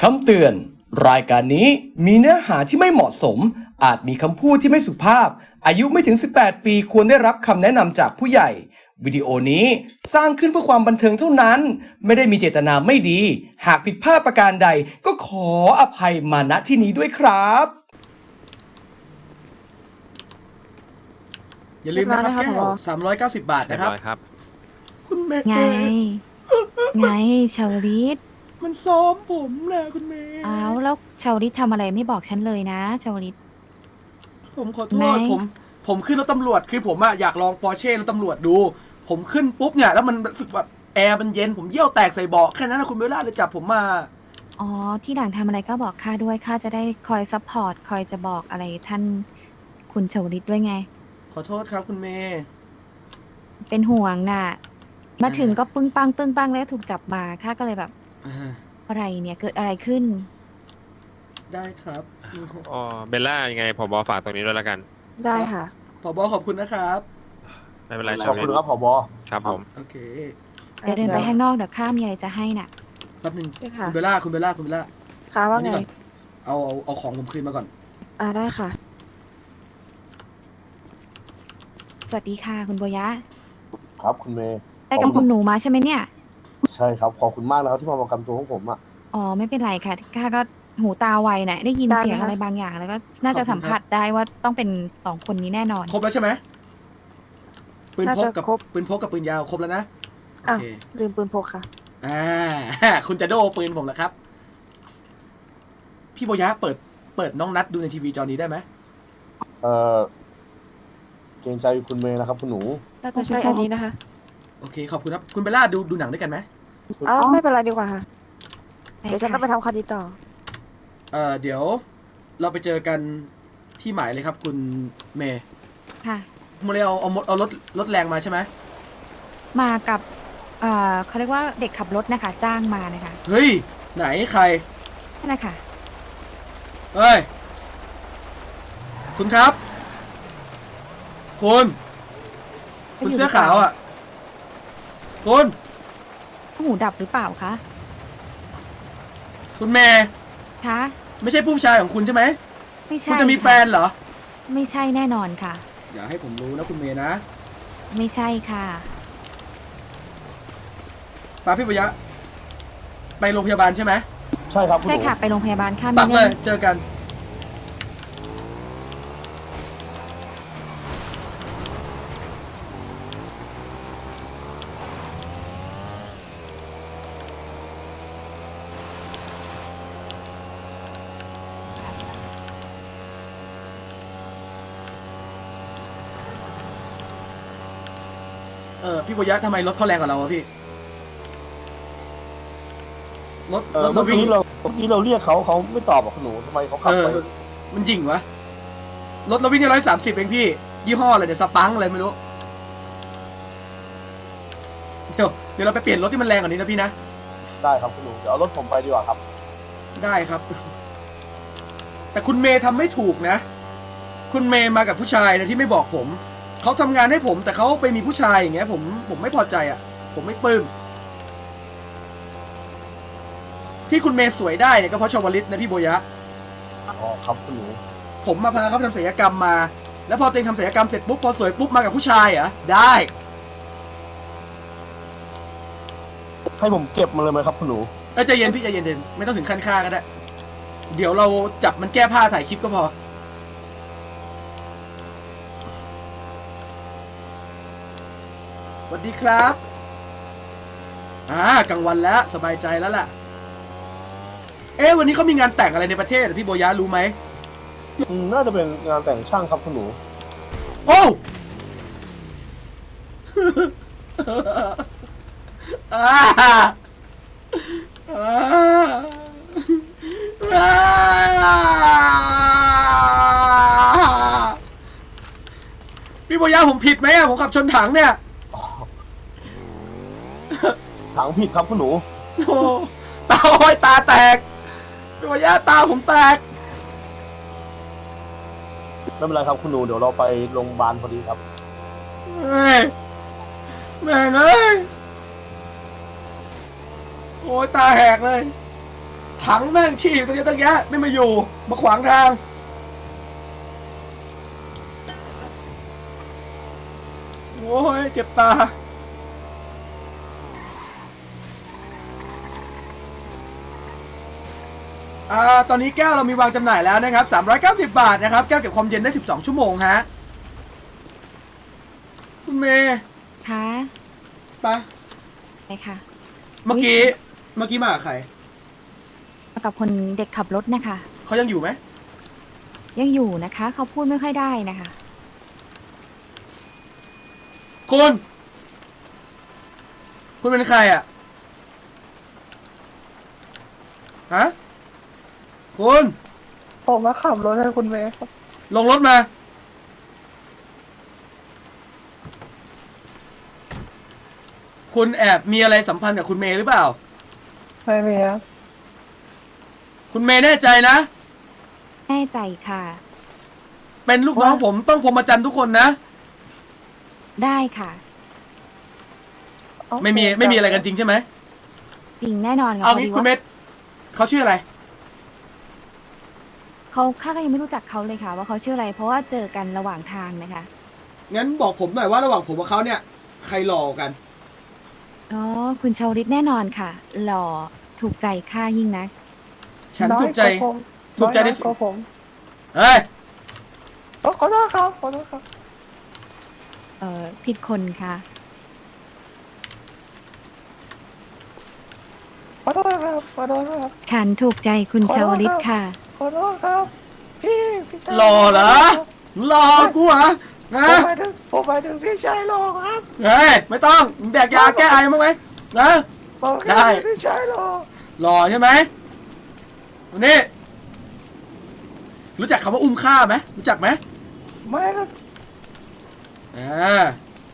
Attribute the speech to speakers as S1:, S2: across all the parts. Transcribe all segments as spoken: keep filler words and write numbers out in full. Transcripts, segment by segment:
S1: คำเตือนรายการนี้มีเนื้อหาที่ไม่เหมาะสมอาจมีคำพูดที่ไม่สุภาพอายุไม่ถึงสิบแปดปีควรได้รับคำแนะนำจากผู้ใหญ่วิดีโอนี้สร้างขึ้นเพื่อความบันเทิงเท่านั้นไม่ได้มีเจตนาไม่ดีหากผิดพลาดประการใดก็ขออภัยมาณที่นี้ด้วยครับอย่าลืมนะครับแก้วสามร้อยเก้าสิบบาทนะครับ
S2: ครับ
S1: คุณเมย์
S3: ไง ไงชาวลิต
S1: มันซ้อมผมนะคุณเมย์
S3: อ้าวแล้วชาวลิตทำอะไรไม่บอกฉันเลยนะชาวลิต
S1: ผมขอโท
S3: ไห
S1: ษ
S3: น
S1: ผมผมขึ้นรถตำรวจคือผมอะอยากลองปอร์เช่รถตำรวจดู ผมขึ้นปุ๊บเนี่ยแล้วมันรู้สึกแบบแอร์มันเย็นผมเยี่ยวแตกใส่เบาะแค่นั้นนะคุณเบลล่าเลยจับผมมา
S3: อ๋อที่หลังทำอะไรก็บอกข้าด้วยข้าจะได้คอยซัพพอร์ตคอยจะบอกอะไรท่านคุณชาวลิตด้วยไง
S1: ขอโทษครับคุณเมย์
S3: เป็นห่วงน่ะ มาถึงก็ปึ้งปังปึ้งปังแล้วถูกจับมาข้าก็เลยแบบ
S1: อ่า
S3: อะไรเนี่ยเกิดอะไรขึ้น
S1: ได้ครับ
S2: อ๋อเบลล่ายังไงผบฝากตรงนี้ด้วยแล้วกัน
S4: ได้ค่ะ
S1: ผบขอบคุณนะครับ
S2: ไม่เป็นไร
S5: ข
S2: ชา
S5: อ
S2: ว
S5: บ
S2: ลิ
S5: คุณ
S2: ต
S5: ครับผบ
S2: ครับผม
S1: โอเค
S3: เดี๋ยวเดินไปข้างนอกเดี๋ยวข้ามีอะไรจะให้น่ะ
S1: แป๊บหนึง
S4: ได้ค่ะ
S1: คุณเบลล่าคุณเบลล่าคุณเบลล่า
S4: ค่ะว่าไง
S1: นี่ก่อนเอาเอาเอาของผมคืนมาก่อน
S4: อ่าได้ค่ะ
S3: สวัสดีค่ะคุณโบยะ
S5: ครับคุณเมย์
S3: ไปกับคุณหนูมาใช่ไหมเนี่ย
S5: ใช่ครับขอบคุณมากนะครับที่มาประกันตัวของผมอ่ะ
S3: อ๋อไม่เป็นไรค่ะข้าก็หูตาไวนะได้ยิน
S4: ได้ไหม
S3: เสียง
S4: คะ
S3: อะไรบางอย่าง แล้วก็น่าจะสัมผัสได้ว่าต้องเป็นสองคนนี้แน่นอน
S1: ครบแล้วใช่ไหมปืนพก
S4: น่าจะ
S1: กับ
S4: ครบ
S1: ปืนพกกับปืนยาวครบแล้วนะโอ
S4: อ้าว
S1: เค
S4: ลืมปืนพกค่ะ
S1: อ่า คุณจะโดปืนผมเหรอครับ พี่โบยะเปิดเปิดน้องนัดดูในทีวีจอนี้ได้ไหม
S5: เออเกรงใจคุณเมย์นะครับคุณหนู
S4: น่าจะใช่อันนี้นะคะ
S1: โอเคขอบคุณครับคุณเบลล่าดูดูหนังด้วยกันไหม
S4: อ้าวไม่เป็นไรดีกว่าค่ะ
S3: ไป
S4: เดี๋ยวฉัน
S3: ค่ะ
S4: ต้องไปทำคดีต่อ
S1: เอ่อเดี๋ยวเราไปเจอกันที่หมายเลยครับ คุณเมย์
S3: ค่ะ
S1: โมเลเอาเอาเอารถรถแรงมาใช่ไหม
S3: มากับเอ่อเขาเรียกว่าเด็กขับรถนะคะ จ้างมานะคะ
S1: เฮ้ยไหนใคร
S3: นั่นแหละค่ะ
S1: เฮ้ยคุณครับ คุณคุณเสื้อขาวอ่ะคุณ
S3: หูดับหรือเปล่าคะ
S1: คุณเมย์
S3: คะ
S1: ไม่ใช่ผู้ชายของคุณใช่ไหม
S3: ไม่ใช่
S1: คุณจะมีแฟนเหรอ
S3: ไม่ใช่แน่นอนค่ะ
S1: อย่าให้ผมรู้นะคุณเมย์นะ
S3: ไม่ใช่ค่ะ
S1: ปาพี่ปยะ ไปโรงพยาบาลใช่ไหม
S5: ใช่ครับคุณห
S3: ใช่
S5: นู
S3: ค่ะ ไปโรงพยาบาลค่ะ
S1: ปัก
S3: มี
S1: เล
S3: เรื่
S1: ย
S3: อง
S1: เจอกัน เออพี่ปยะทำไมรถเขาแรงกว่าเราอะพี่รถ
S5: เอ
S1: ร
S5: อ
S1: ถ
S5: เมื่
S1: เรา
S5: อ
S1: วิ่ง
S5: กี้เราเมื่อกี้เราเรียกเขาเขาไม่ตอบอ่ะคุณหนูทำไมเขาขับ
S1: เออ
S5: ไป
S1: มันยิงวะ รถเราวิ่งได้ร้อยสามสิบเองพี่ ยี่ห้ออะไรเดี๋ยวสปังอะไรไม่รู้ เดี๋ยวเดี๋ยวเราไปเปลี่ยนรถที่มันแรงกว่านี้นะพี่นะ
S5: ได้ครับคุณหนูเดี๋ยวเอารถผมไปดีกว่าครับ
S1: ได้ครับ แต่คุณเมย์ทำไม่ถูกนะ คุณเมย์มากับผู้ชายนะที่ไม่บอกผม เขาทำงานให้ผม แต่เขาไปมีผู้ชายอย่างเงี้ย ผมผมไม่พอใจอ่ะ ผมไม่ปลื้ม ที่คุณเมย์สวยได้เนี่ยก็เพราะชวลิตนะพี่โบยะ
S5: อ๋อครับคุณหนู
S1: ผมมาพาเขาไปทำศัลยกรรมมา แล้วพอตัวเองทำศัลยกรรมเสร็จปุ๊บพอสวยปุ๊บมากับผู้ชายเหรอได้
S5: ให้ผมเก็บมาเลยไหมครับคุณหนู
S1: เออใจเย็นพี่ใจเย็นๆไม่ต้องถึงขั้นฆ่าก็ได้ เดี๋ยวเราจับมันแก้ผ้าถ่ายคลิปก็พอ สวัสดีครับ อ่ากลางวันแล้วสบายใจแล้วล่ะ เอ๊ะวันนี้เขามีงานแต่งอะไรในประเทศเหรอพี่โบยะรู้ไหม
S5: อืมน่าจะเป็นงานแต่งช่างครับคุณหนู
S1: โอ้อ่าอ่าอ่าพี่โบยะผมผิดไหมอะผมขับชนถังเนี่ย
S5: ถังผิดครับคุณหนู
S1: โอ้ตาโอ้ยตาแตกพี่โบยะตาผมแตก
S5: ไม่เป็นไรครับคุณหนูเดี๋ยวเราไปโรงพยาบาลพอดีครับ
S1: เฮ้ยแม่งเอ้ยโอ้ยตาแหกเลย ทถังแม่งขี้อยู่ตรงนี้ตั้งแยะไม่มาอยู่มาขวางทาง โอ้ยเจ็บตา อ่า ตอนนี้แก้วเรามีวางจำหน่ายแล้วนะครับสามร้อยเก้าสิบบาทนะครับ แก้วเก็บความเย็นได้สิบสองชั่วโมงฮะ คุณเมย์
S3: คะ
S1: ไปะ
S3: ไปค่ะ
S1: เมื่อกี้ เมื่อกี้มากับใคร
S3: มากับคนเด็กขับรถนะคะ
S1: เขายังอยู่ไหม
S3: ยังอยู่นะคะ เขาพูดไม่ค่อยได้นะคะ
S1: คุณ คุณเป็นใครอ่ะ ฮะ คุณ
S6: ผมมาขับรถให้คุณเมย์ครับ
S1: ลงรถมา คุณแอบมีอะไรสัมพันธ์กับคุณเมย์หรือเปล่า
S6: ไม่มีครับ
S1: คุณเมย์แน่ใจนะ
S3: แน่ใจค่ะ
S1: เป็นลูกน้องผมต้องพรหมจรรย์ทุกคนนะ
S3: ได้ค่ะ
S1: ไม่มีไม่มีอะไรกันจริงใช่ไหม
S3: จริงแน่นอนค่ะ
S1: เอา
S3: พอ
S1: งี้
S3: ดี
S1: คุณเม
S3: ว่า
S1: ย์เขาชื่ออะไร
S3: เขาข้าก็ยังไม่รู้จักเขาเลยค่ะ ว่าเขาชื่ออะไร เพราะว่าเจอกันระหว่างทางนะคะ
S1: งั้นบอกผมหน่อยว่าระหว่างผมกับเขาเนี่ย ใครหล่อกัน
S3: อ๋อ คุณชาวริตแน่นอนค่ะ หล่อถูกใจข้ายิ่งนัก
S1: ฉัน
S6: น้อย
S1: ถูกใจ
S6: ว่าผม
S1: ถูกใจใน
S6: น้อย
S1: สิ
S6: กว่าผม
S1: เฮ้ย
S6: โอ้ขอโทษครับขอโทษครับ
S3: เอ่อ ผิดคนค่ะ
S6: ขอโทษครับขอโทษครับ
S3: ฉันถูกใจคุณ
S6: ขอโทษ
S3: ชาวริต
S6: ครับ
S3: ค่ะ
S6: ขอโทษครับ พี่พี่ชาย
S1: หล่อเหรอ หล่อกูเหรอ นะ
S6: ผมหมายถึงผมหมายถึงพี่ชายหล่อครับ
S1: เฮ้ย ไม่ต้องมึงแดกยาแก้ไอมั้างไหมนะ
S6: บอกแค่
S1: ได้
S6: พี่ชายหล่อ
S1: หล่อใช่ไหมวันนี้ รู้จักคำว่าอุ้มฆ่าไหมรู้จักไหม
S6: ไม่ครับ
S1: อ่า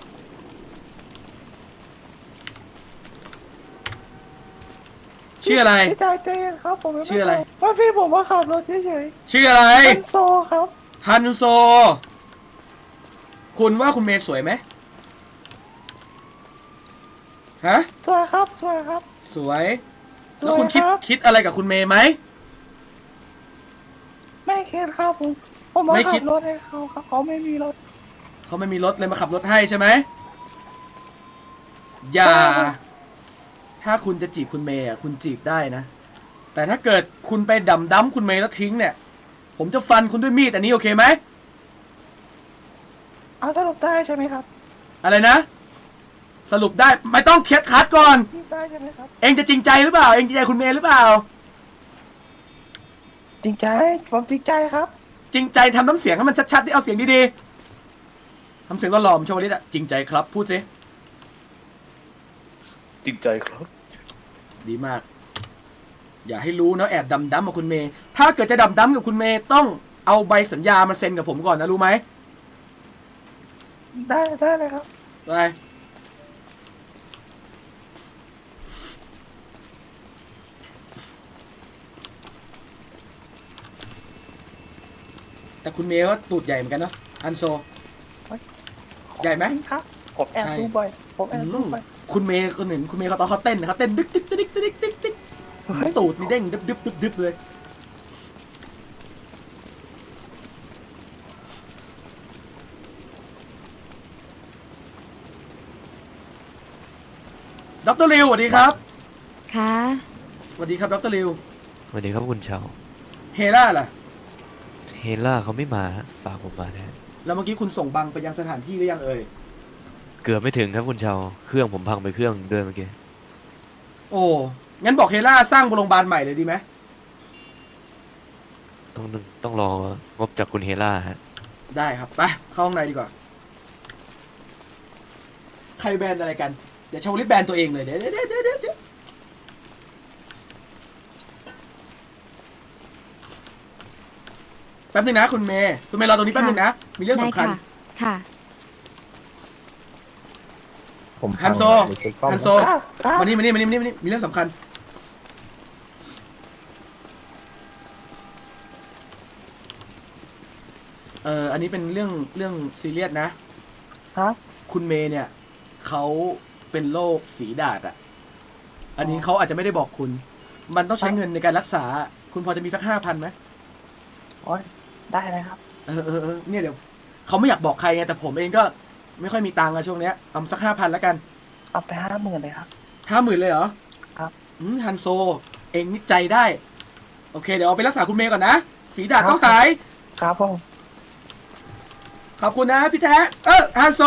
S1: ชื่ออะไร
S6: พี่ชายใจเย็นครับผมยังม่
S1: ชื่ออะไร
S6: ว่าพี่ผมมาขับรถเฉย
S1: ชื่ออะไร
S6: ๆเป็นโซครับ
S1: ฮันโซ คุณว่าคุณเมย์สวยไหมฮะ
S6: สวยครับสวยครับ
S1: สวย
S6: สวย
S1: แล้วคุณคิด
S6: ครับ
S1: คิดอะไรกับคุณเมย์ไหม
S6: ไม่คิดครับผมผมมา
S1: ไม่คิ
S6: ขั
S1: ด
S6: บรถให้เขาครับเขาไม่มีรถ
S1: เขาไม่มีรถเลยมาขับรถให้ใช่ไหม อย่า
S6: ใช่ครับ
S1: ถ้าคุณจะจีบคุณเมย์อ่ะคุณจีบได้นะ แต่ถ้าเกิดคุณไปดำดั้มคุณเมย์แล้วทิ้งเนี่ย ผมจะฟันคุณด้วยมีดอันนี้โอเคไหม
S6: เอาสรุปได้ใช่ไหมครับ
S1: อะไรนะ สรุปได้ไม่ต้องเคลียร์คัดก่อน
S6: จริงได้ใช่ไหมครับ
S1: เองจะจริงใจหรือเปล่า เองจริงใจคุณเมย์หรือเปล่า
S6: จริงใจผมจริงใจครับ
S1: จริงใจทำน้ำเสียงให้มันชัดๆที่เอาเสียงดีๆทำเสียงหล่อๆผมชวลิตอะจริงใจครับ พูดสิ
S5: จริงใจครับ
S1: ดีมาก อย่าให้รู้นะแอบดำดำกับคุณเมย์ถ้าเกิดจะดำดำกับคุณเมย์ต้องเอาใบสัญญามาเซ็นกับผมก่อนนะรู้ไหม
S6: ได้ได้เลยครับ
S1: ไปแต่คุณเมย์ก็ตูดใหญ่เหมือนกันเนาะอันโซ ใหญ่ไหม
S6: จริงครับ ผมแอบ
S1: ใช่
S6: ดูบ่อย ผมแอบดูบ่อย
S1: คุณเมย์คนหนึ่งคุณเมย์เขาตอนเขาเต้นนะครับเต้นดึกดึกดึกดึกดึกดึกดึก
S6: เฮ้ย
S1: ตูดนี่เด้งดึบดึบดึบดึบเลยดรริวสวัสดีครับ
S3: ค่ะ
S1: สวัสดีครับดรริว
S7: สวัสดีครับคุณเชา
S1: เฮล่าล่ะ
S7: เฮล่าเขาไม่มาฮะฝากผมมาแทน
S1: แล้วเมื่อกี้คุณส่งบังไปยังสถานที่หรือยังเอ่ย
S7: เกือบไม่ถึงครับคุณเชาเครื่องผมพังไปเครื่องด้วยเมื่อกี้
S1: โอ้งั้นบอกเฮล่าสร้างโรงพยาบาลใหม่เลยดีไหม
S7: ต้องต้องรองบจากคุณเฮล่าฮะ
S1: ได้ครับไปเข้าห้องในดีกว่าใครแบนอะไรกันเดี๋ยวชาวลิตแบนตัวเองเลยเดี๋ยวเดี๋ยวเดี๋ยวเดี๋ยวเดี๋ยวแป๊บนึงนะคุณเมย์คุณเมย์รอตรงนี้แป๊บนึงนะมีเรื่อง
S3: ได้
S1: สำคัญ
S3: ค่ะ ค่ะ
S5: ผม
S1: ฮันโซ
S5: ไปเช็คซ่อม
S1: ฮันโซ
S6: ครับครับ
S1: มานี่มานี่มานี่มานี่มานี่มีเรื่องสำคัญเอ่ออันนี้เป็นเรื่องเรื่องซีเรียสนะ
S6: ครับ
S1: คุณเมย์เนี่ยเขาเป็นโรคฝีดาษอ่ะ อันนี้เขาอาจจะไม่ได้บอกคุณมันต้องใช้เงินในการรักษา คุณพอจะมีสักห้าพันไหม
S6: โอ้ยได้เลยครับ
S1: เออเออเออเนี่ยเดี๋ยวเขาไม่อยากบอกใครไงแต่ผมเองก็ไม่ค่อยมีตังค์อะช่วงเนี้ยเอาสักห้าพันแล้วกัน
S6: เอาไปห้าหมื่นเลยครับ
S1: ห้าหมื่นเลยเหรอ
S6: ครับ
S1: อืมฮันโซ เองนี่ใจได้ โอเค เดี๋ยวเอาไปรักษาคุณเมย์ก่อนนะ ฝีดาดต้องหาย
S6: ครับผม
S1: ขอบคุณนะพี่แท้เออฮันโซ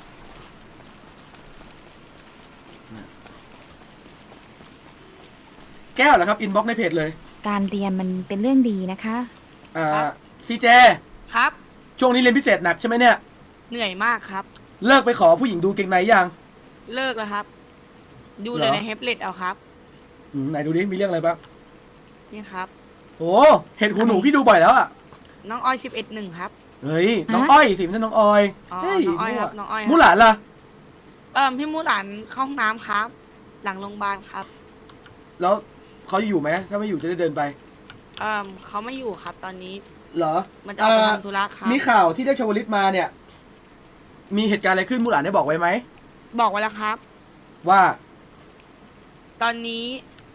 S1: แก้วเหรอครับ อินบ็อกในเพจเลย
S3: การเรียนมันเป็นเรื่องดีนะคะ
S1: อ่า
S8: ครับ
S1: ซีเจ
S8: ครับ
S1: ช่วงนี้เรียนพิเศษหนักใช่ไหมเนี่ย
S8: เหนื่อยมากครับ
S1: เลิกไปขอผู้หญิงดูเกงในยัง
S8: เลิกแล้วครับ ดู
S1: เหร
S8: เล
S1: อ
S8: ยในเฮปเล็ตเอาครับ
S1: อืมไหนดูดิ มีเรื่องอะไรบ้าง
S8: นี่ครับ
S1: โอ้เห็นหูหนูพี่ดูบ่อยแล้วอ่ะ
S8: น้องอ้อยสิบเอ็ดหนึ่งครับ
S1: เฮ้ย น้อง
S3: ฮะ
S1: อ้อยสิไม่ใช่น้องออย
S8: อ๋อ
S1: เฮ้ย
S8: น้องอ้อยครับ
S1: มั่ว
S8: น้องอ้อยครับ
S1: มูหลานล่ะ
S8: เอ่อพี่มูหลานเข้าห้องน้ำครับ หลังโรงพยาบาลครับ
S1: แล้วเขาอยู่ไหมถ้าไม่อยู่จะได้เดินไป
S8: เอ่อเขาไม่อยู่ครับ ตอนนี้
S1: เหรอ
S8: มันจะออกไป
S1: เอ่อ
S8: ทำธุระครับ
S1: มีข่าวที่ได้ชวลิตมาเนี่ย มีเหตุการณ์อะไรขึ้นมูหลานได้บอกไว้ไหม
S8: บอกไว้แล้วครับ
S1: ว่า
S8: ตอนนี้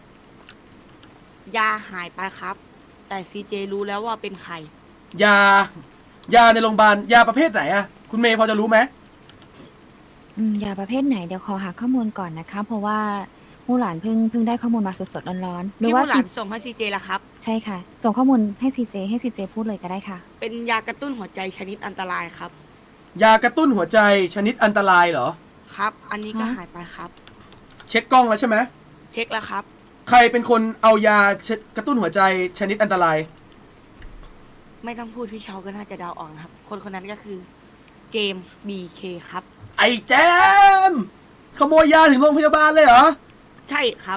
S8: ยาหายไปครับ แต่ซีเจรู้แล้วว่าเป็นใคร
S1: ยา ยาในโรงพยาบาล ยาประเภทไหนอะคุณเมย์พอจะรู้ไหม
S3: อืมยาประเภทไหนเดี๋ยวขอหาข้อมูลก่อนนะคะ เพราะว่ามู่หลานเพิ่งเพิ่งได้ข้อมูลมาสดๆร้อนๆหรือ
S8: พี่
S3: ว่า
S8: มูหลา
S3: ซี
S8: นส่งให้ซีเจแล้วครับ
S3: ใช่ค่ะ ส่งข้อมูลให้ซีเจให้ซีเจพูดเลยก็ได้ค่ะ
S8: เป็นยากระตุ้นหัวใจชนิดอันตรายครับ
S1: ยากระตุ้นหัวใจชนิดอันตรายเหรอ
S8: ครับ อันนี้ก็
S3: ฮะ
S8: หายไปครับ
S1: เช็คกล้องแล้วใช่ไหม
S8: เช็คแล้วครับ
S1: ใครเป็นคนเอายาชกระตุ้นหัวใจชนิดอันตราย
S8: ไม่ต้องพูดพี่เชาก็น่าจะเดาออกนะครับ คนคนนั้นก็คือเจมส์บีเคครับ
S1: ไอ้แจมขโมยยาถึงโรงพยาบาลเลยเหรอ
S8: ใช่ครับ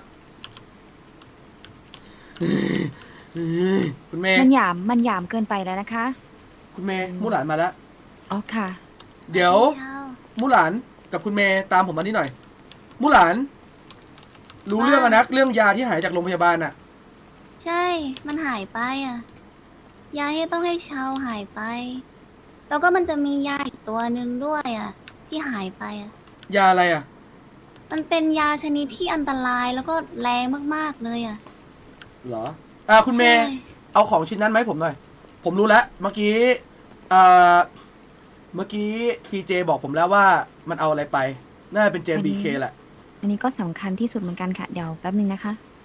S1: คุณเมย์
S3: มันหยามมันหยามเกินไปแล้วนะคะ
S1: คุณเมย์มูหลานมาแล้ว
S3: อ๋อค่ะ
S1: เดี๋ยวมูหลานกับคุณเมย์ตามผมมานี่หน่อยมูหลาน รู้เรื่องอะนะเรื่องยาที่หายจากโรงพยาบาลอะ
S9: ใช่ มันหายไปอ่ะ ยาที่ต้องให้เชาหายไป แล้วก็มันจะมียาอีกตัวหนึ่งด้วยอ่ะ ที่หายไปอ่ะ
S1: ยาอะไรอะ
S9: มันเป็นยาชนิดที่อันตรายแล้วก็แรงมากๆเลยอ่ะ
S1: เหรออ่าคุณเมย์
S9: ใช่
S1: เอาของชิ้นนั้นไหมาให้ผมหน่อย ผมรู้แล้วเมื่อกี้เอ่อเมื่อกี้ซีเจบอกผมแล้วว่ามันเอาอะไรไปน่าจะเป็นเจม
S3: อันนี้
S1: บีเคแหละ
S3: อันนี้ก็สำคัญที่สุดเหมือนกันค่ะ เดี๋ยวแป๊บนึงนะคะ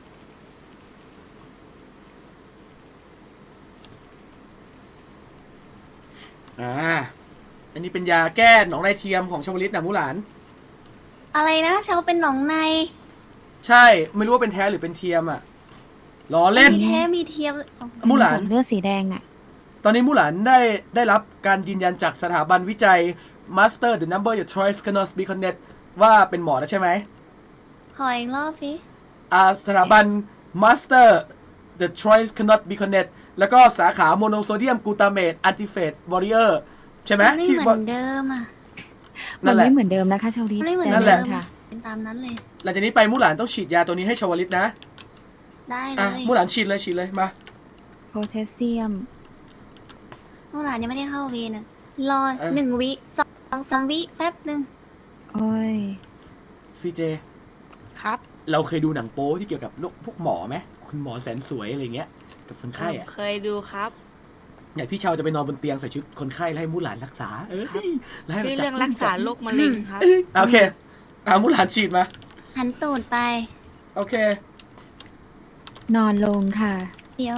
S1: อ่า อันนี้เป็นยาแก้หนองในเทียมของชาวลิตนะมูหลาน
S9: อะไรนะเชาเป็นหนองใน
S1: ใช่ ไม่รู้ว่าเป็นแท้หรือเป็นเทียมอ่ะล้อเล่น
S9: มีแท้มีเทียมอ๋อ
S1: มูหลาน
S3: ผมเลือดสีแดงน่ะ
S1: ตอนนี้มูหลานได้ได้รับการยืนยันจากสถาบันวิจัย Master the number your choice cannot be connect ว่าเป็นหมอแล้วใช่ไหม
S9: ขออีกรอบสิ
S1: อ่าสถาบัน Master the choice cannot be connect แล้วก็สาขาโมโนโซเดียมกลูตาเมตอันติเฟตวอริเออร์ใช่ไหม
S9: มันไม่
S1: ที่
S9: เหมือนเดิมอ่ะ
S3: มั
S1: นั่
S3: น
S1: นแหละ
S3: ไม่เหมือนเดิมนะคะชาวลิ
S9: มั
S3: ต
S9: นไม่เหมือน
S1: นั่นแห
S9: เดิ
S1: ละ
S9: ม
S3: ค่ะ
S9: เป็นตามนั้นเลย
S1: หลังจากนี้ไปมูหลานต้องฉีดยาตัวนี้ให้ชาวลิตนะ
S9: ได้เล
S1: อ่ะ
S9: ย
S1: มูหลานฉีดเลยฉีดเลยมา
S3: โพแทสเซียม
S9: เมื่อไหร่ยังไม่ได้เข้าเวรอ่ะ รอ
S1: เออ
S9: หนึ่งวิสองสามวิแป๊บหนึ่ง
S3: โอ้ย
S1: ซีเจ
S8: ครับ
S1: เราเคยดูหนังโป๊ที่เกี่ยวกับโรคพวกหมอไหมคุณหมอแสนสวยอะไรเงี้ยกับคนไข้อะ
S8: เคยดูครับ
S1: เนี่ยพี่เชาจะไปนอนบนเตียงใส่ชุดคนไข้แล้วให้มูหลานรักษา เอ้ยแล้วให้
S8: ชื่อ
S1: จับ
S8: เรื่องรักษาโรคมะเร็งครับ
S1: เอ้ยโอเคเอามูหลานฉีดมา
S9: หันตูดไป
S1: โอเค
S3: นอนลงค่ะ
S9: เดี๋ยว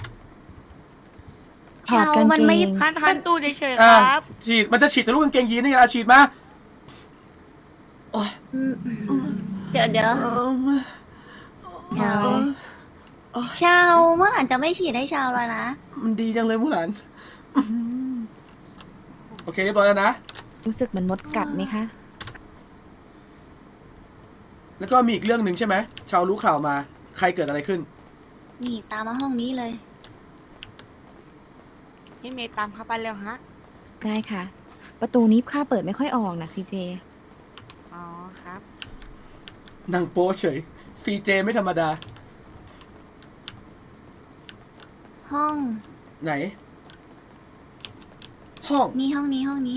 S3: ถอดกาง
S9: มั
S3: เก
S9: ไม่
S3: ง
S8: ท่านท่านตู้เฉยๆ
S1: อ่า
S8: ครับ
S1: ฉีดมันจะฉีดทะลุกางเกงยีนนี่ไงล่ะฉีดมาโอ้ย
S9: อืมเดี๋ยวเดี๋ยวเดี๋ยวชาวเมื่อไหร่จะไม่ฉีดให้ชาวแล้วนะ
S1: มันดีจังเลยมูหลานโอเคเรียบร้อยแล้วนะ
S3: รู้สึกเหมือนมดกัดไหมคะ
S1: แล้วก็มีอีกเรื่องหนึ่งใช่ไหมชาวรู้ข่าวมา ใครเกิดอะไรขึ้น
S9: นี่ตามมาห้องนี้เลย
S8: พี่เมย์ตามเข้าไปเร็วฮะ
S3: ได้ค่ะ ประตูนี้ค่าเปิดไม่ค่อยออกนะซีเจ
S8: อ๋อครับ
S1: นางโป๊เฉย ซีเจไม่ธรรมดา
S9: ห้อง
S1: ไหน ห้อง
S9: นี่ห้องนี้ห้องนี้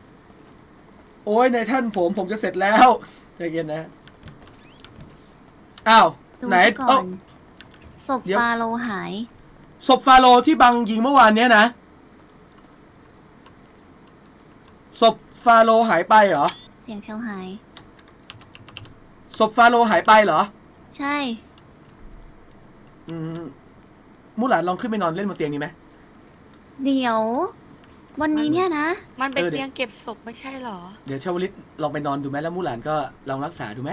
S1: โอ้ยในท่านผมผมจะเสร็จแล้วใจเย็นนะอ้าว
S9: ดู
S1: ไหน
S9: ก่อ
S1: เอ้าน
S9: ศพ
S1: เดี๋ยว
S9: ฟาโลหาย
S1: ศพฟาโรห์ที่บังยิงเมื่อวานเนี้ยนะศพฟาโรห์หายไปเหรอ
S9: เสียงเชาหาย
S1: ศพฟาโรห์หายไปเหรอ
S9: ใช่
S1: อืมมูหลานลองขึ้นไปนอนเล่นบนเตียงนี้ไหม
S9: เดี๋ยว วันนี้เนี่ยนะ
S8: มันเป็น
S1: เออเดี๋ยว
S8: เตียงเก็บศพไม่ใช่เหรอ
S1: เดี๋ยวชาวลิตลองไปนอนดูไหมแล้วมูหลานก็ลองรักษาดูไหม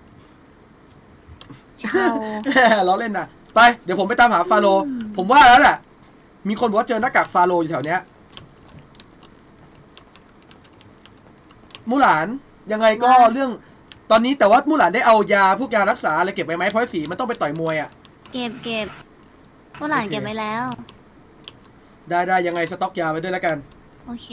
S9: เชา
S1: ล้อเล่นนะไปเดี๋ยวผมไปตามหาฟาโรห์
S9: อืม
S1: ผมว่าแล้วแหละมีคนบอกว่าเจอหน้ากากฟาโรห์อยู่แถวเนี้ยมูหลานยังไงก็เรื่องตอนนี้แต่ว่ามูหลานได้เอายาพวกยารักษาอะไรเก็บไว้ไหมเพราะสีมันต้องไปต่อยมวยอ่ะ
S9: เก็บเก็บพวกหลาน
S1: โอเค
S9: เก็บไว้แล้ว
S1: ได้ได้ยังไงสต็อกยาไว้ด้วยแล้วกัน
S9: โอเค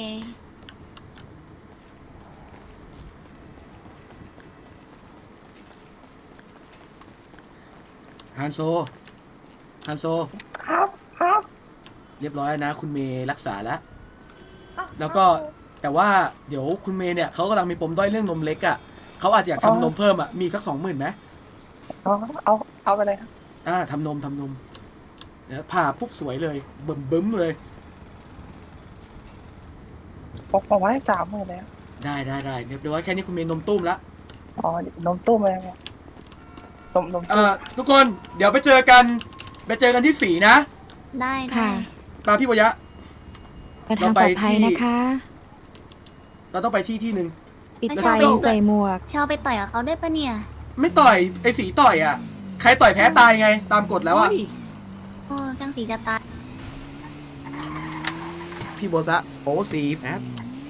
S1: ฮันโซฮันโซ
S6: ครับครับ
S1: เรียบร้อยแล้วนะคุณเมย์รักษาแล้ว แล้วก็แต่ว่าเดี๋ยวคุณเมย์เนี่ยเขากำลังมีปมด้อยเรื่องนมเล็กอ่ะเขาอาจจะอยากทำนมเพิ่มอ่ะมีสักสองหมื่นไหม
S6: เอาเอาเอาไปเลยครับ
S1: อ่าทำนมทำนมเดี๋ยวผ่าปุ๊บสวยเลยเบิ่มบึ้มเลย
S6: บอกบอกว่าให้สามหมื่นเลยครับ
S1: ได้ได้ได้เรียบร้อยแค่นี้คุณเมย์นมตุ้มละ
S6: อ๋อนมตู้มเลยครับนมนม
S1: เอ่
S6: ตู้
S1: อทุกคนเดี๋ยวไปเจอกันไปเจอกันที่สีนะ
S9: ได้ได้
S3: ค่ะ
S1: ตามพี่บยะ
S3: เดินทางปลอดภัยนะคะ
S1: เราต้องไปที่ที่หนึ่ง
S3: ปิด
S9: แล้ว
S3: ไฟ
S9: ชอบ
S3: ใส่หมวก
S9: เชาไปต่อยกับเขาได้ปะเนี่ย
S1: ไม่ต่อยไอ้สีต่อยอ่ะใครต่อยแพ้ตายไงตามกฎแล้วอ่ะ
S8: เฮ้ย
S9: โอ้ช่างสีจะตาย
S1: พี่โบซะโอ้สีแอด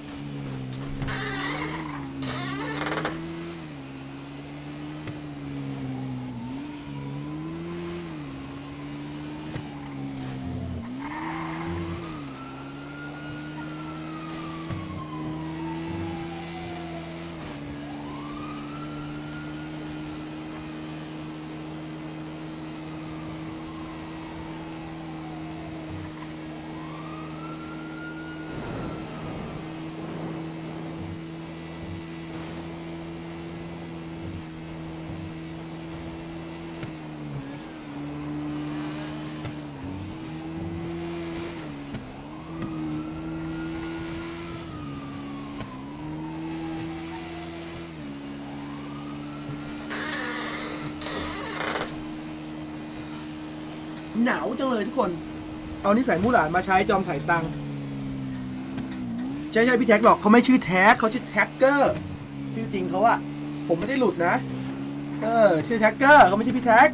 S1: หนาวจังเลยทุกคน เอานิสัยมู่หลานมาใช้จอมถ่ายตังค์ใช่ใช่พี่แท็กหรอกเขาไม่ชื่อแท็กเขาชื่อแท็กเกอร์ ชื่อจริงเขาอะผมไม่ได้หลุดนะ เออชื่อแท็กเกอร์เขาไม่ใช่พี่แท็ก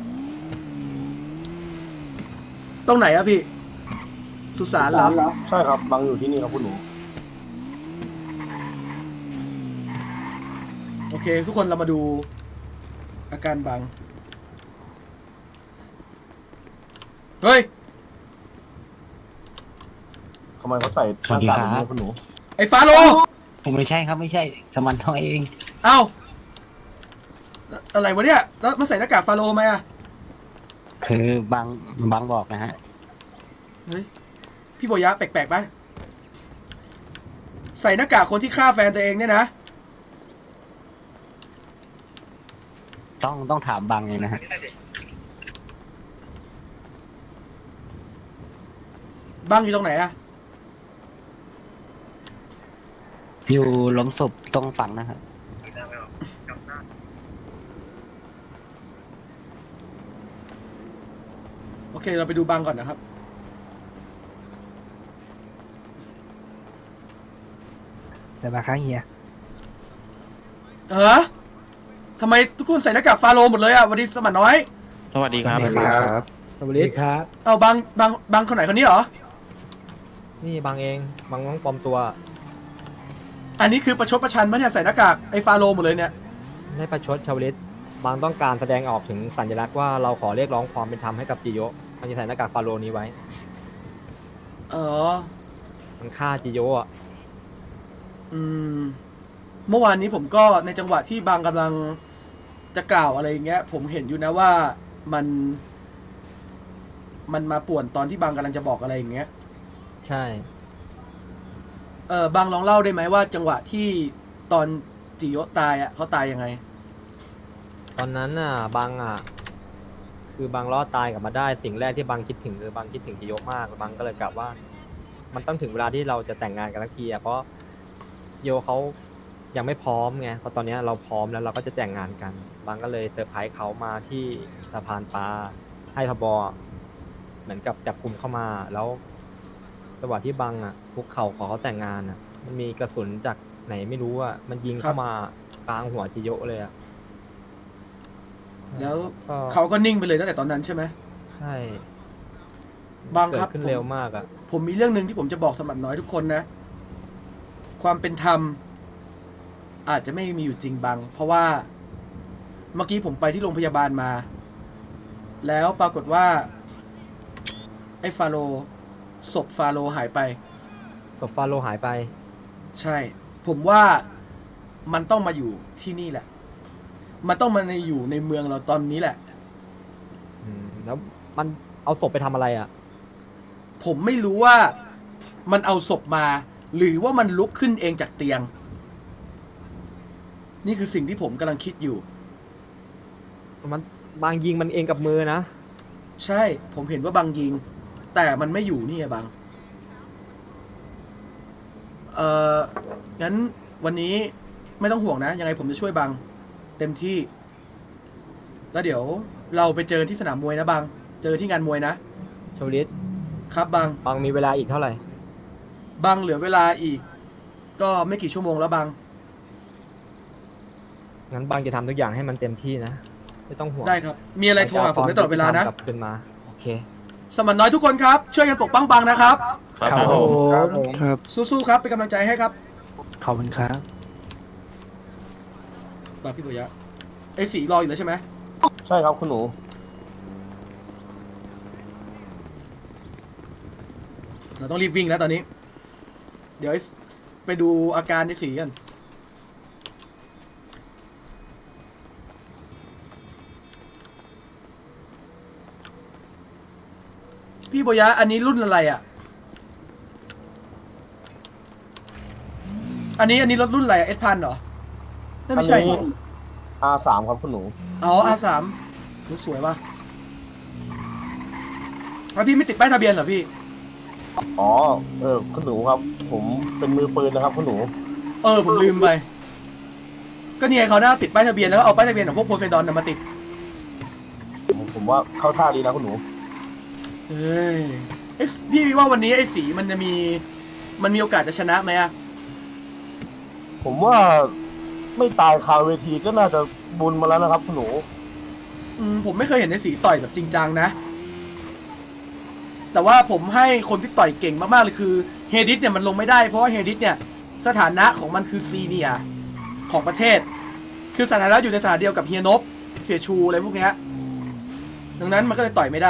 S1: ตรงไหนอะพี่ สุสานเหรอ
S5: ใช่ครับบังอยู่ที่นี่ครับคุณหนู
S1: โอเค ทุกคนเรามาดูอาการบัง เฮ้ย
S5: ทำไมเขาใส่หน้ากากแบบนี้คุณหนู
S1: ไอ้ฟาโล
S10: ผมไม่ใช่ครับไม่ใช่สมันทองเอง
S1: เอ้า อะไรวะเนี่ย แล้วมาใส่หน้ากากฟาโลไหมอะ
S10: คือบางบางบอกนะฮะ
S1: เฮ้ย พี่โบยะแปลกๆปะใส่หน้ากากคนที่ฆ่าแฟนตัวเองเนี่ยนะ
S10: ต้องต้องถามบางเองนะฮะ
S1: บังอยู่ตรงไหนอะ
S10: อยู่หล้มศพตรงฝั่งนะครับ
S1: โอเค เราไปดูบังก่อนนะครับ
S6: เดี๋ยวมาค้างเฮีย
S1: เออทำไมทุกคนใส่หน้ากากฟาโลหมดเลยอะวันนี้สมัครน้อย
S2: สวัสดีครับ
S6: สวัสดีครับ
S11: สวัสดีครับ
S1: เอาบังบังบังคนไหนคนนี้เหรอ
S11: นี่บางเองบางน้องปลอมตัว
S1: อันนี้คือประชดประชันปะเนี่ยใส่หน้ากากไอ้ฟาโลหมดเลยเนี่ย
S11: ไม่ประชดชาวลิตบางต้องการแสดงออกถึงสัญลักษณ์ว่าเราขอเรียกร้องความเป็นธรรมให้กับจิโยะมันจะใส่หน้ากากฟาโรห์นี้ไว้
S1: เออ
S11: มันฆ่าจิโยะอ่ะ
S1: อืม เมื่อวานนี้ผมก็ในจังหวะที่บางกำลังจะกล่าวอะไรอย่างเงี้ย ผมเห็นอยู่นะว่ามัน มันมาป่วนตอนที่บางกำลังจะบอกอะไรอย่างเงี้ย
S11: ใช่
S1: เออบางลองเล่าได้ไหมว่าจังหวะที่ตอนจิโยะตายอ่ะเขาตายยังไง
S11: ตอนนั้นน่ะบางอ่ะคือบางรอดตายกลับมาได้สิ่งแรกที่บางคิดถึงคือบางคิดถึงจิโยะมากบางก็เลยกลับว่า มันต้องถึงเวลาที่เราจะแต่งงานกันทักทีอะเพราะโยเขายังไม่พร้อมไงเพราะตอนเนี้ยเราพร้อมแล้วเราก็จะแต่งงานกัน บางก็เลยเซอร์ไพรส์เขามาที่สะพานปลาให้ทบเหมือนกับจับกลุ่มเข้ามาแล้วจังหวะที่บางอ่ะคุกเข่าขอเขาแต่งงานอ่ะ มันมีกระสุนจากไหนไม่รู้อ่ะมันยิงเข้ามากลางหัวจิโยะเลยอ่ะ
S1: แล้ว
S11: ก็
S1: เขาก็นิ่งไปเลยตั้งแต่ตอนนั้นใช่ไหม
S11: ใช่
S1: บางครับ
S11: เกิดขึ้น
S1: ผม
S11: เร็วมากอ่ะ
S1: ผมมีเรื่องหนึ่งที่ผมจะบอกสมัครน้อยทุกคนนะ ความเป็นธรรม อาจจะไม่มีอยู่จริงบาง เพราะว่าเมื่อกี้ผมไปที่โรงพยาบาลมา แล้วปรากฏว่า ไอ้ฟาโรห์ศพฟาโรห์หายไป
S11: ศพฟาโรห์หายไป
S1: ใช่ ผมว่ามันต้องมาอยู่ที่นี่แหละ มันต้องมาในอยู่ในเมืองเราตอนนี้แหละ
S11: อืมแล้วมันเอาศพไปทำอะไรอ่ะ
S1: ผมไม่รู้ว่ามันเอาศพมา หรือว่ามันลุกขึ้นเองจากเตียง นี่คือสิ่งที่ผมกำลังคิดอยู่
S11: มันบางยิงมันเองกับมือนะ
S1: ใช่ ผมเห็นว่าบางยิง แต่มันไม่อยู่นี่ไงบาง เอ่อ งั้นวันนี้ไม่ต้องห่วงนะ ยังไงผมจะช่วยบางเต็มที่ แล้วเดี๋ยวเราไปเจอที่สนามมวยนะบาง เจอที่งานมวยนะ
S11: ชวลิต
S1: ครับบาง
S11: บางมีเวลาอีกเท่าไหร่
S1: บางเหลือเวลาอีก ก็ไม่กี่ชั่วโมงแล้วบาง
S11: งั้นบางจะทำทุกอย่างให้มันเต็มที่นะ ไม่ต้องห่วง
S1: ได้ครับ มีอะไรโทรหาผมได้ตลอดเวลานะ
S11: กลับคืนมา โอเค
S1: สมันน้อยทุกคนครับ ช่วยกันปกป้องบางนะครับ
S2: ครับผม
S6: ครับผม
S7: ครับ
S1: สู้ๆครับ เป็นกำลังใจให้ครับ
S7: ขอบคุณครับ
S1: บางพี่ปุยะไอ้สีรออยู่แล้วใช่ไหม
S5: ใช่ครับคุณหนู
S1: เราต้องรีบวิ่งแล้วตอนนี้ เดี๋ยวไอ้สไปดูอาการไอ้สีกัน พี่ปุยะอันนี้รุ่นอะไรอ่ะ อันนี้อันนี้รถรุ่นอะไรเอสพันเหรอนั่นไม่ใช่
S5: อันนี้ อาร์ สาม ครับคุณหนู
S1: อ๋อ อาร์ สาม รู้สวยว่ะแล้วพี่ไม่ติดป้ายทะเบียนเหรอพี่
S5: อ๋อ เออ คุณหนูครับ ผมเป็นมือปืนนะครับคุณหนู
S1: เออ ผมลืมไป ก็เนี่ยเขาหน้าติดป้ายทะเบียนแล้วก็เอาป้ายทะเบียนของพวกโพไซดอนนะมาติด
S5: ผมผมว่าเข้าท่าดีนะคุณหนู
S1: เฮ้ยไอ้สพี่ว่าวันนี้ไอ้สีมันจะมี มันมีโอกาสจะชนะไหมอะ
S5: ผมว่าไม่ตายคาเวทีก็น่าจะบุญมาแล้วนะครับคุณหนู
S1: อืมผมไม่เคยเห็นไอ้สีต่อยแบบจริงจังนะ แต่ว่าผมให้คนที่ต่อยเก่งมากๆเลยคือเฮดิสเนี่ยมันลงไม่ได้เพราะว่าเฮดิสเนี่ยสถานะของมันคือซีเนียร์ของประเทศ คือสถานะอยู่ในสถานะเดียวกับเฮียนบเสียชูอะไรพวกเนี้ยดังนั้นมันก็เลยต่อยไม่ได้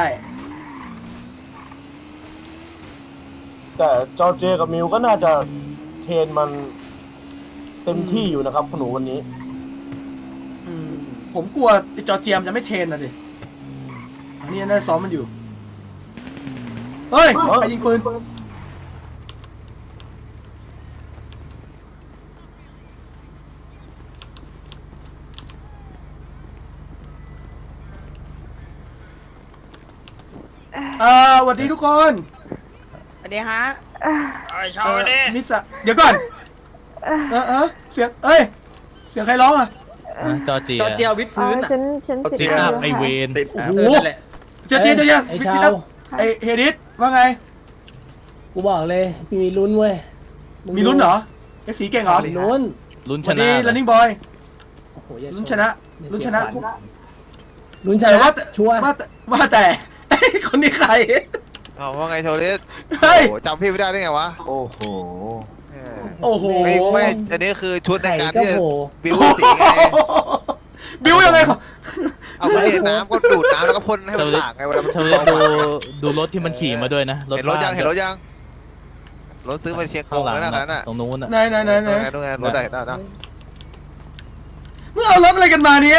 S5: แต่จอร์เจกับมิวก็น่าจะเทรนมันเต็มที่อยู่นะครับคุณหนูวันนี้
S1: อืมผมกลัวไอ้จอร์เจียมจะไม่เทรนนะดิอันนี้น่าจะซ้อมมันอยู่ เฮ้ยใครยิงปืน เอ่อสวัสดีทุกคน
S8: สวัสดีฮะ
S1: เอ่อมิสะเดี๋ยวก่อน เออเออเสียง เอ้ย เสียงใครร้องอ่ะ
S7: จอร์เจีย
S11: จอร์เจียวิดพื้นอะ
S4: ฉันฉันสิบ
S7: ซิท
S4: แล้ว
S7: อัพ
S4: ค่ะ
S7: ไอเวน
S1: โอ้โหเจ๊เจ๊เจ๊เจ๊
S6: ไอ้
S1: วิ
S6: ชา
S1: ซิ
S6: ว
S1: ตไอเฮดิสว่าไง
S6: กูบอกเลย มีลุ้นเว้ยง
S1: มีลุ้นเหรอไอสีเก่งเหรอ
S6: มีลุ้น
S7: ลุ้นช
S1: วัน
S7: นะ
S1: นี้ running boy
S6: โอ้โหอย่า
S1: ลุ้น
S6: ช
S1: ชนะ
S6: อย่า
S1: ลุ้น
S6: เสี
S1: ช
S6: ย
S1: นะ
S6: ขวัญลุ้นช
S1: แต่
S6: นะ
S1: ว่าแต่
S6: ชัวร์
S1: ว่าแต่ว่าแต่ ไอ้คนนี้ใคร
S12: เอาว่าไงโชลิส
S1: เฮ้ย
S12: โอ้โหจำพี่ไม่ได้ได้ไงวะ
S5: โอ้โห
S12: เออ
S1: โอ้โห
S12: ไม่ไม่ อันนี้คือชุดใน
S6: ไข่
S12: การ
S6: ก็
S12: ที่จะ
S6: โผล่
S12: บิวสีไง
S1: บิวยังไงครับ
S12: เอาไปเห็นน้ำก็ดูดน้ำแล้วก็พ่นให้มันต่างไงเวลามัน
S7: เธอดูดูรถที่มันขี่มาด้วยนะ
S12: เห็นรถยังเห็นรถยัง รถซื้อมาเชียงก
S7: ข้าง
S12: ง
S7: หลัง
S12: แล้วนะนั้นน่ะ
S7: ตรงนู้นอ่ะ
S1: ไหนไหนไหนไหน
S12: ดูไงดูไงรถไหนน่ะนะ
S1: มึงเอารถอะไรกันมาเนี่ย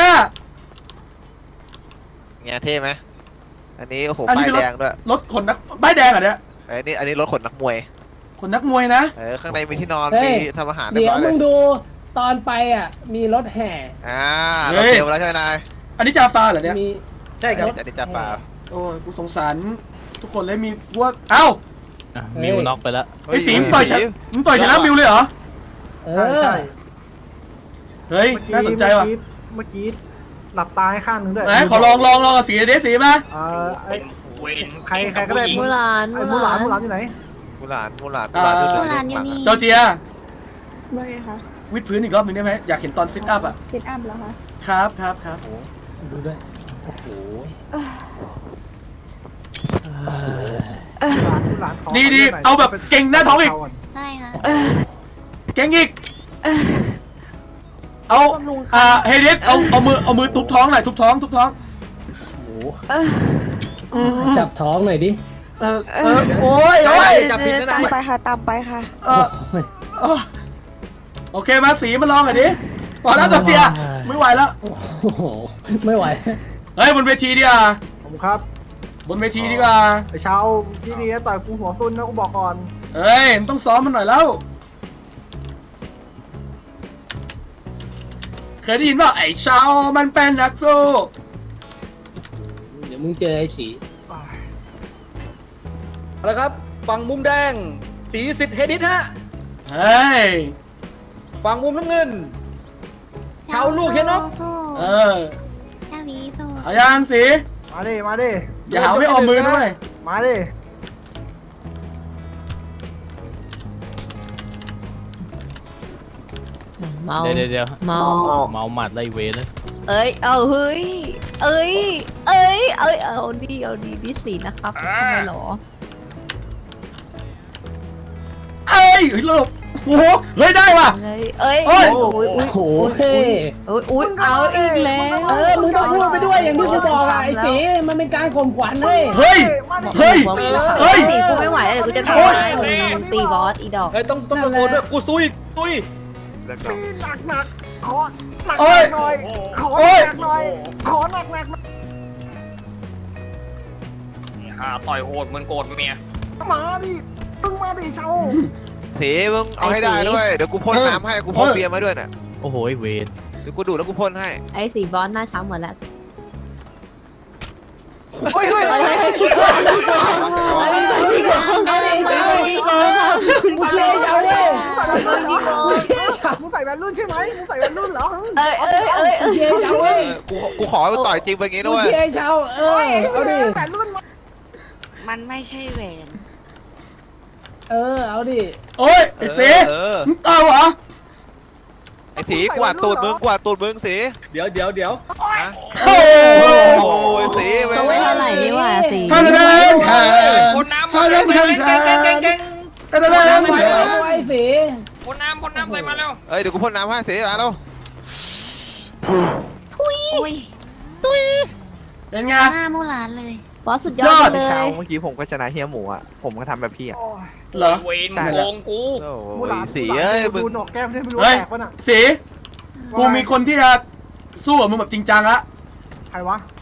S12: เงี้ยเท่ไหมอันนี้โอ้โห
S1: อันนี้
S12: ป้าย
S1: เป็นรถ
S12: แดงด้วย
S1: รถขนนักป้ายแดงเหรอเนี่ย
S12: ไอ้นี่อันนี้รถขนนักมวย
S1: ขนนักมวยนะ
S12: เออข้างในมีที่นอน
S6: เฮ้
S12: มี
S6: ย
S12: ทำอาหารเรีย
S6: เดี๋
S12: บ
S6: ยว
S12: ร้อยเล
S6: มึ
S12: ย
S6: งดูตอนไปอ่ะ มีรถแห่
S12: อ่าเราเตรียมไว้แล้วใช่ไหมนาย
S1: อันนี้จาฟาเหรอเนี่ย
S6: มี
S1: ใช่ครับ
S12: อันนี้จะเปล่า
S1: โอ้ยกูสงสารทุกคนเลยมีพวกเอ้า
S7: มิวน็อกไปแล้ว
S1: ไอ้สีมึงต่อยชนะมึงต่อยชนะมิวเลยเหรอ
S6: เออ
S1: เฮ้ยน่าสนใจว่ะ
S6: เมื่อกี้หลับตาให้ข้างนึงด้วย
S1: ไหนขอลองลองลองกับสีเดสีมา
S6: เออไอใครใครก็ได้
S3: มูหลาน
S6: ไอมูหลานมูหลานอยู่ไหน
S12: มูหลานมูหลาน
S1: อ่า
S9: มูหลานอยู่นี่
S1: จอร์เจีย
S4: ว่าไงคะ
S1: วิดพื้นอีกรอบหนึ่งได้ไหมอยากเห็นตอนซิทอัพอ่ะ
S4: ซิทอัพแล้วคะ
S1: ครับครับครับ
S6: ดูด้วย โอ้โห
S1: ดีดีเอาแบบเก่งหน้าท้องอีก
S9: ใช่ค่ะ
S1: เก่งอีกเอาอ่าเฮเดสเอาเอามือเอามือทุบท้องหน่อยทุบท้องทุบท้อง
S6: จับท้องหน่อยดิ
S1: เออเออโอ้ยโอ้ย
S11: จับผิดนะ
S4: ตาม
S11: นะ
S4: ไปค่ะตามไปค่ะ
S1: เออเออโอเคมาสีมาลองหน่อยดิพอแล้วจอร์เจียไม่ไหวแล้ว
S6: โอ้โห ไม่ไหว
S1: เฮ้ยบนเวทีดีกว่า
S6: ผมครับ
S1: บนเวทีดีกว่า
S6: ไอเช้าที่นี่ต่อยกูหัวซุนนะกูบอกก่อน
S1: เอ้ยมันต้องซ้อมมันหน่อยแล้วเคยได้ยินว่าไอ้ชาวมันเป็นนักสู้
S6: เดี๋ยวมึงเจอไอ้สีเอาละครับ ฝั่งมุมแดง สีสิทธิ์เฮดิสฮะ
S1: เฮ้ย
S6: ฝั่งมุมน้ำเงิน เช้าลูกเฮียนก
S9: สู้
S1: เออ
S9: เจ้าหวีสู้
S1: เอายังสิ
S6: มาดิ มาดิ
S1: อย่าหาไม่ออมมือนะเว้ย
S6: มาดิ
S3: เมา
S7: เดี๋ยวเดี๋ยวเดี๋ยว
S3: เมา
S7: เมาหมัดไล่เวนะ
S3: เอ้ย เอาเฮ้ย เอ้ย เอ้ย เอ้ย เอาดีเอาดีดิสีนะครับทำไมหรอ
S1: เอ้ยเฮ้ยหลบโอ้โหเฮ้ยได้ว่ะ
S3: เอ้ย เอ้ย
S1: โอ้ย
S3: โอ้ย
S6: โอ้โห
S3: โอ้ยโอ้ยอุ้ยเอาอีกแล้ว
S6: เออ มึงต้องพูดไปด้วยอย่างที่กูบอกอะไอ้สีมันเป็นการข่มขวัญเฮ้ย
S1: เฮ้ย เฮ้ย เฮ้ย
S3: สีกูไม่ไหวแล้วเดี๋ยวกูจะทำ
S1: โอ้ย
S3: ร้ายมึงมึงตีบอสอีดอก
S6: เฮ้ย ต้องต้องตะโกนด้วย กูซุยซุย
S12: แล้วก็
S6: หนักหนักขอหนัก
S1: โอ้ย
S6: หน่อย ขอ
S1: โอ้ย
S6: หนักหน่อย ขอหนักหนัก
S11: อ่าต่อยโหดเหมือนโกรธเมีย
S6: มาดิมึงมาดิเช้า
S12: สีมึงเอาให้ได้ด้วย เดี๋ยวกูพ่นน้ำให้ กูพ่นเบียร์มาด้วยน่ะ
S7: โอ้โหเวร
S12: เดี๋ยวกูดูดแล้วกูพ่นให้
S3: ไอ้สีบอสหน้าช้ำหมดแล้ว
S6: เฮ้ยเฮ้ย
S3: เฮ้ยเฮ้ยเฮ้ยขี้โกงขี้โกงขี้โกงขี้โกงครับ
S6: มึงเชียร์เช้าเว้ย
S3: ขี้โกง
S6: มึงเชียร์เช้ามึงใส่แว่นรุ่นใช่ไหมมึงใส่แว่นรุ่นเหรอ
S3: เอ้ยเอ้ยเอ้ย
S6: มึงเชียร์เช้าเว้ย
S12: กูกูขอให้กูต่อยจริงไปงี้
S6: มึ
S12: ด้
S6: ง
S12: วย
S6: เชียร์เช้าเออเอาดิแว่นรุ่นมา
S8: มันไม่ใช่แหวน
S6: เออ เอาดิ
S1: โอ้ย ไอ้เส
S12: เออ
S1: มึงตายเหรอ
S12: ไอ้สีกวาดตูดมึงกวาดตูดมึงสี
S6: เดี๋ยวเดี๋ยวเดี๋ยว
S12: นะ
S1: โอ้
S12: โอ้ยสีเว้ย
S3: เขาไม่เท่าไหร่นี่หว่าสี
S1: ท่านเดินแทน
S11: คนน้ำ
S1: ท่านเดินแทนแทนท่านเดินแทน
S6: ไว้สี
S11: คนน้ำคนน้ำใส่มาแล้ว
S12: เอ้ยเดี๋ยวกูพ่นน้ำให้สีมาแล้ว
S9: อุ้ย
S1: เป็นไง
S9: หน้ามูหลานเลย
S3: บอสสุดยอดเลย
S11: เมื่อกี้ผมก็ชนะเฮียหมูอ่ะ ผมก็ทำแบบพี่อ่ะ
S1: เหรอ
S11: เวนโกงกู
S12: โอ้
S6: มูหลาย
S12: สีเอ้ยมึง
S6: ดูหนกแก้มได้ไม่รู้
S1: เฮ้ย
S6: แตกปะน่ะ
S1: สี กูมีคนที่จะสู้กับมึงแบบจริงจังละ
S6: ใครวะ